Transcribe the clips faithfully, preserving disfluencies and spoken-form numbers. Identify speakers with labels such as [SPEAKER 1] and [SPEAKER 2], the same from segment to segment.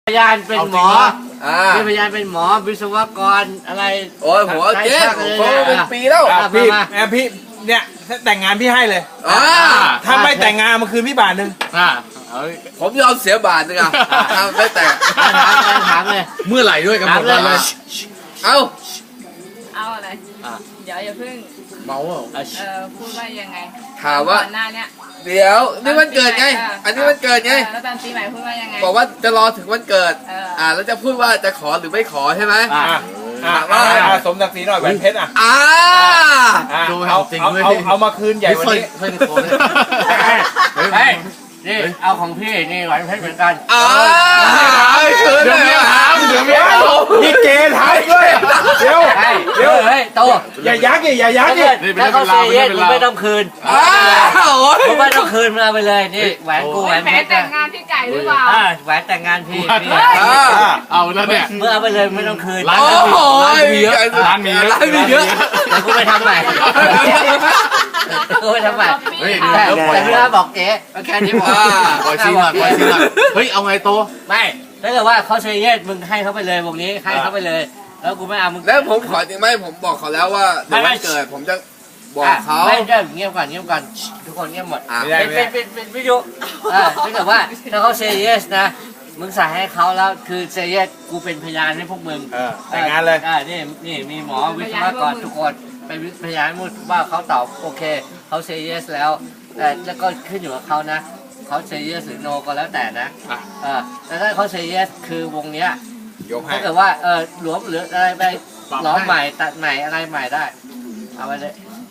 [SPEAKER 1] พยานเป็นหมอ
[SPEAKER 2] อ่า
[SPEAKER 1] มีพยานเป็นหมอวิศวกรอะไร
[SPEAKER 2] โอ้ยหัวเจ๊ผมเป็นปีแล้ว
[SPEAKER 3] อ่ะพี่แอบพี่เนี่ยแต่งงานพี่ให้เลย
[SPEAKER 2] อ่า
[SPEAKER 3] ถ้าไม่แต่งงานมาคืนพี่บาทหนึ่ง
[SPEAKER 1] อ่า
[SPEAKER 2] ผมยอมเสียบาทนึงอ่ะไม่แต่ง
[SPEAKER 1] ถามเลยถามเลย
[SPEAKER 4] เมื่อไหร่ด้วยกันหมดวันเลย
[SPEAKER 2] เอ้า
[SPEAKER 5] เอาอะไร
[SPEAKER 1] อ่ะ
[SPEAKER 5] เดี๋ยวอย่าเพิ่ง
[SPEAKER 4] เมาเหรอ
[SPEAKER 1] อ่ะ
[SPEAKER 5] เออพูดว่ายังไง
[SPEAKER 2] ถามว่า
[SPEAKER 5] ก่อนหน้าเนี้ย
[SPEAKER 2] เดี๋ยวนี่วันเกิดไง อันนี้วันเกิดไง
[SPEAKER 5] ออแล้วตอนปีใหม่พูดว่ายังไง
[SPEAKER 2] บอกว่าจะรอถึงวันเกิด
[SPEAKER 5] เอออ่
[SPEAKER 2] อ่าแล้วจะพูดว่าจะขอหรือไม่ขอใช่ไหม
[SPEAKER 1] อ่ะ
[SPEAKER 3] อ่ะอ่ะอ่ะสมศักดิ์ศรีหน่อยแหวนเพชรอ่ะ
[SPEAKER 2] อ่า
[SPEAKER 3] อ่ะ
[SPEAKER 4] ดูให้
[SPEAKER 3] เอา
[SPEAKER 4] จริง
[SPEAKER 3] เอา
[SPEAKER 4] ด้วย
[SPEAKER 3] เอาเอามาคืนใหญ่วันนี้
[SPEAKER 4] เฮ้ยโคตร
[SPEAKER 1] เฮ้ยนี่เอาของพี่นี่หวานเพชรเหมือนกัน
[SPEAKER 2] อ่าคืน
[SPEAKER 4] เดี๋ยว
[SPEAKER 2] เล
[SPEAKER 4] เมี
[SPEAKER 2] ย
[SPEAKER 4] ยถามเดี๋ยวเมียถาม
[SPEAKER 3] นี่เกณฑ์ไทยด้วยเดี๋ยว
[SPEAKER 1] เฮ้ย
[SPEAKER 3] เดี๋ยว
[SPEAKER 1] เฮ้ยโต
[SPEAKER 3] อย่ายักดิอย่ายัก
[SPEAKER 1] ถ้า
[SPEAKER 3] ดิ
[SPEAKER 1] เกิดถ้าเขาเซเยสมึงไม่ต้องคืน
[SPEAKER 2] อ้าวโอ้ย
[SPEAKER 1] มึงไม่ต้องคืนมาไปเลยนี่แหวนกูแหวน
[SPEAKER 5] แหม
[SPEAKER 1] เพชร
[SPEAKER 5] แต่
[SPEAKER 1] นะ
[SPEAKER 5] งงานพี่ไก่หรือเปล่า
[SPEAKER 1] อ่าแหวนแต่งงานพี่พี่
[SPEAKER 2] อ่า
[SPEAKER 4] เอาแล้วเนี่ย
[SPEAKER 1] เมื่อเอาไปเลยไม่ต้องคืน
[SPEAKER 4] ร้าน
[SPEAKER 2] โอ้โห
[SPEAKER 4] ร้านมีเยอะ
[SPEAKER 2] ร้านมีเยอะ
[SPEAKER 1] เดี๋ยวกูไปทำใหม่กูไปทำใหม่
[SPEAKER 4] เฮ้ย
[SPEAKER 1] แต่แต่พี่อาบอกเจ๊แค่นี้พอ
[SPEAKER 4] ปล่อยซีนหน่อยปล่อยซีนหน่อยเฮ้ยเอาไงโต
[SPEAKER 1] ไม่ถ้าเกิดว่าเขาเซเยสมึงให้เขาไปเลยวงนี้ให้เขาไปเลย แล้วกูไม่เอามึง
[SPEAKER 2] แล้วผมขอจริงไหมผมบอกเขาแล้วว่าเดี๋ยววันเกิดผมจะบอกเขา
[SPEAKER 1] ไม่ได้เงียบก่อนเงียบก่อนทุกคนเงียบหมด
[SPEAKER 2] อ่ะ
[SPEAKER 3] ไม่ได้
[SPEAKER 1] เป็นเป็นเป็นเป็นวิทยุอ่าถ้าเกิดว่าถ้าเขาเซเยสนะมึงใส่ให้เขาแล้วคือเซเยสกูเป็นพยานให้พวกมึง
[SPEAKER 3] เออแต่งงานเลย
[SPEAKER 1] อ่านี่นี่มีหมอวิศวกรทุกคนเป็นพยานให้หมดว่าเขาตอบโอเคเขาเซเยสแล้วแต่แล้วก็ขึ้นอยู่กับเขานะเขาเซเยสหรือโนก็แล้วแต่นะ
[SPEAKER 4] อ่ะ
[SPEAKER 1] เออแต่ถ้าเขาเซเยสคือวงเนี้ย
[SPEAKER 3] ยกให้
[SPEAKER 1] ถ้าเกิดว่าเออหลวมหรืออะไรไปล้อมใหม่ตัดใหม่อะไรใหม่ได้เอาไปเลย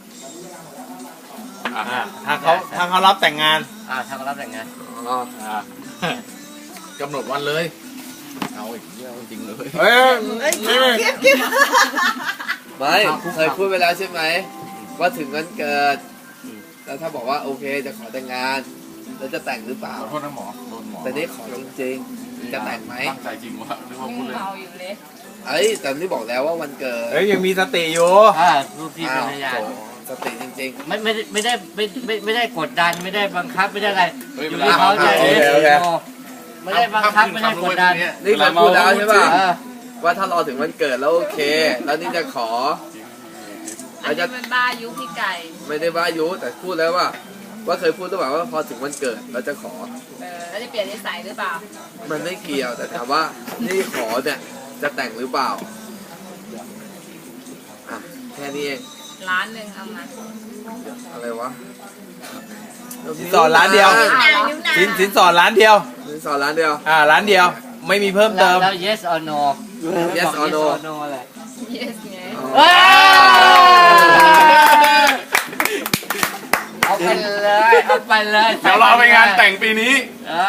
[SPEAKER 4] อ่ะ
[SPEAKER 3] อ่ะถ้าเขาถ้าเขารับแต่งงาน
[SPEAKER 1] อ่าถ้าเขารับแต่งงาน
[SPEAKER 2] อ๋อ
[SPEAKER 4] อ่ะกำหนดวันเลยเอาอีกเรื่องจริงเลย
[SPEAKER 3] เอ้ย
[SPEAKER 2] ไม่เคยพูดไปแล้วใช่ไหมว่าถึงวันเกิดแล้วถ้าบอกว่าโอเคจะขอแต่งงานแล้วจะแต่งหรือเปล่า
[SPEAKER 4] ขอโทษนะหมอโดนหมอ
[SPEAKER 2] แต่นี่ขอจริงๆจะแต่งไหม
[SPEAKER 4] ตั้งใจจริงวะนึกว่า
[SPEAKER 5] ยัง
[SPEAKER 4] พูดเล่น
[SPEAKER 5] เมาอยู่เลย
[SPEAKER 2] เอ้ยแต่นี่บอกแล้วว่าวันเกิด
[SPEAKER 3] เอ้ยยังมีสติอยู่
[SPEAKER 1] อ่าลูกพี่เป็นพยาน
[SPEAKER 2] อ้าวโถสติจริง
[SPEAKER 1] ไม่ไม่ได้ไม่ได้ไม่ไม่ไม่ได้กดดันไม่ได้บังคับไม่ได้อะไร
[SPEAKER 4] เฮ้ย
[SPEAKER 1] อ
[SPEAKER 4] เว
[SPEAKER 1] ยู่
[SPEAKER 4] ลา
[SPEAKER 1] ที่เขาจะ
[SPEAKER 3] โอเคโอเค
[SPEAKER 1] ไม่ได้บังคับไม่ได้กดดัน
[SPEAKER 2] ๆนี่เคยพูดแล้วใช่ป่ะ
[SPEAKER 1] เออ
[SPEAKER 2] ว่าถ้ารอถึงวันเกิดแล้วโอเค แล้วนี่จะขอ
[SPEAKER 5] อันนี้เป็นบ้ายุพี่ไก่
[SPEAKER 2] ไม่ได้ว่ายุแต่พูดแล้วว่า ว่าเคยพูดหรือเปล่าว่าพอถึงวันเกิดเราจะขอ
[SPEAKER 5] เออแล้วจะเปลี่ยนนิสัยหรือเปล่า
[SPEAKER 2] มันไม่เกี่ยวแต่ถามว่านี่ขอเนี่ยจะแต่งหรือเปล่าอ่ะแค่นี้เอง
[SPEAKER 5] ร้านหนึ่งเอามา
[SPEAKER 2] อะไรวะ
[SPEAKER 3] สินสอดร้านเดียว สินสินสอดร้านเดียว
[SPEAKER 2] สินสอดร้านเดียว
[SPEAKER 3] อ่าร้านเดียว ไม่มีเพิ่ม
[SPEAKER 1] แล้
[SPEAKER 3] เติ
[SPEAKER 1] ว
[SPEAKER 3] ม
[SPEAKER 1] แล้ว yes or no
[SPEAKER 2] Yes
[SPEAKER 1] บอก
[SPEAKER 2] or no
[SPEAKER 1] yes or no เลย
[SPEAKER 5] yes ไง
[SPEAKER 2] อ๋อ
[SPEAKER 1] เอาไปเลยเอาไปเลย
[SPEAKER 4] เดี๋ยวเราไปงานแต่งปีนี้
[SPEAKER 1] อ่า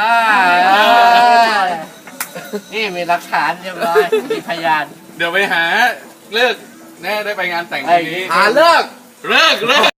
[SPEAKER 1] นี่มีหลักฐานเรียบร้อยมีพยาน
[SPEAKER 4] เดี๋ยวไปหาเลิกแน่ได้ไปงานแต่งปีนี้
[SPEAKER 2] หาเลิก
[SPEAKER 4] เลิกเลิก